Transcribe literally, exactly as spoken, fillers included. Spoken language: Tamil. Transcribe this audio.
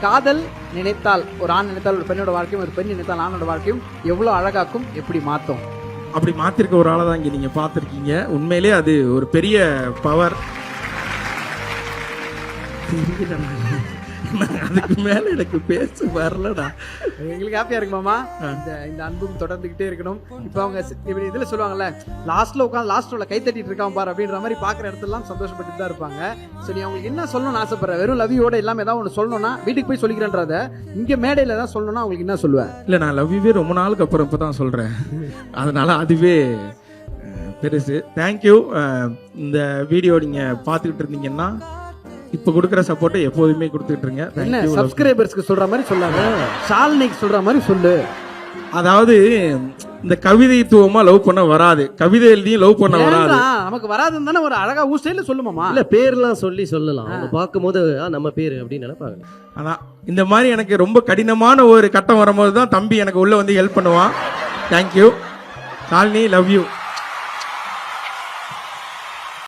காதல் நினைத்தால் ஒரு ஆண் நினைத்தால் ஒரு பெண்ணோட வாழ்க்கையும், ஒரு பெண் நினைத்தால் ஆணோட வாழ்க்கையும் எவ்வளவு அழகாக்கும், எப்படி மாத்தும்? அப்படி மாத்திருக்க ஒரு ஆளை தான் இங்க நீங்க பாத்திருக்கீங்க. உண்மையிலே அது ஒரு பெரிய பவர். அதுக்கு மேல எனக்கு பேச வரலடா. எங்களுக்கு ஹாப்பியா இருக்கு மாமா. இந்த இந்த அன்பும் தொடர்ந்துகிட்டே இருக்கணும். இப்ப அவங்க இப்படி இதுல சொல்லுவாங்கல்ல, லாஸ்ட்ல உட்காந்து லாஸ்ட் உள்ள கை தட்டிட்டு இருக்கான் பாரு அப்படின்ற மாதிரி பாக்குற இடத்துல எல்லாம் சந்தோஷப்பட்டு தான் இருப்பாங்க. சோ நீ அவங்களுக்கு என்ன சொல்லணும்னு ஆசைப்படுற? வெறும் லவ்யூட இல்லாம ஏதாவது ஒன்று சொல்லணும்னா வீட்டுக்கு போய் சொல்லிக்கிறேன்றத இங்க மேடையில தான் சொல்லணும்னா அவங்களுக்கு என்ன சொல்லுவேன்? இல்ல, நான் லவ்யூவே ரொம்ப நாளுக்கு அப்புறம் இப்பதான் சொல்றேன். அதனால அதுவே பெருசு. தேங்க்யூ. இந்த வீடியோ நீங்க பாத்துக்கிட்டு இருந்தீங்கன்னா இப்ப கொடுக்குற சப்போர்ட்டை எப்போதுமே கொடுத்துட்டு இருங்க. என்ன சப்ஸ்கிரைபர்ஸ்க்கு சொல்ற மாதிரி சொல்லாத, ஷாலினிக்கு சொல்ற மாதிரி சொல்லு. அதாவது இந்த கவிதைத்துவமா லவ் பண்ண வராது, கவிதை எழுதியும் லவ் பண்ண வராது. நமக்கு வராதுன்னு தானே ஒரு அழகா ஊர் ஸ்டைல்ல சொல்லுமாமா. இல்ல பேர்லாம் சொல்லி சொல்லலாம். அவங்க பார்க்கும்போது நம்ம பேரு அப்படின்னு நினைப்பாங்க. அதான் இந்த மாதிரி எனக்கு ரொம்ப கடினமான ஒரு கட்டம் வரும்போது தான் தம்பி எனக்கு உள்ள வந்து ஹெல்ப் பண்ணுவான். Thank you Shalini, love you.